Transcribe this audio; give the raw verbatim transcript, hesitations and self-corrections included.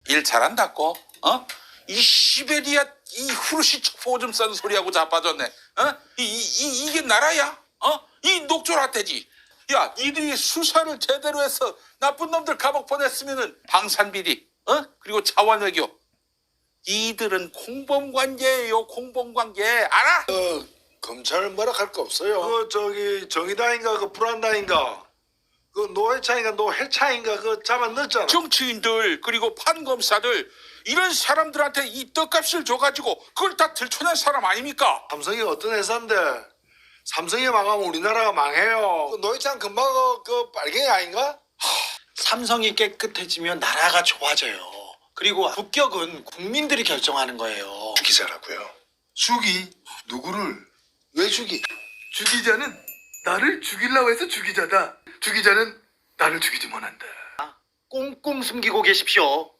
일 잘한다고? 어? 이 시베리아 이 후르시 첩보 오줌 싸는 소리하고 자빠졌네. 어? 이, 이, 이, 이게 나라야? 어? 이 녹조라떼지. 야, 니들이 수사를 제대로 해서 나쁜 놈들 감옥 보냈으면은 방산비리, 어? 그리고 자원외교. 이들은 공범관계예요, 공범관계. 알아? 어, 검찰은 뭐라 할 거 없어요. 그 저기 정의당인가 그 불안당인가 그 노회차인가 노회차인가 그 잡아 넣었잖아. 정치인들 그리고 판검사들 이런 사람들한테 이 떡값을 줘가지고 그걸 다 들춰낸 사람 아닙니까? 삼성이 어떤 회사인데 삼성이 망하면 우리나라가 망해요. 그 노회찬 금방 그, 그 빨갱이 아닌가? 삼성이 깨끗해지면 나라가 좋아져요. 그리고 국격은 국민들이 결정하는 거예요. 기자라고요. 죽이 누구를? 왜 죽이? 죽이자는 나를 죽이려고 해서 죽이자다. 죽이자는 나를 죽이지 못한다. 꽁꽁 숨기고 계십시오.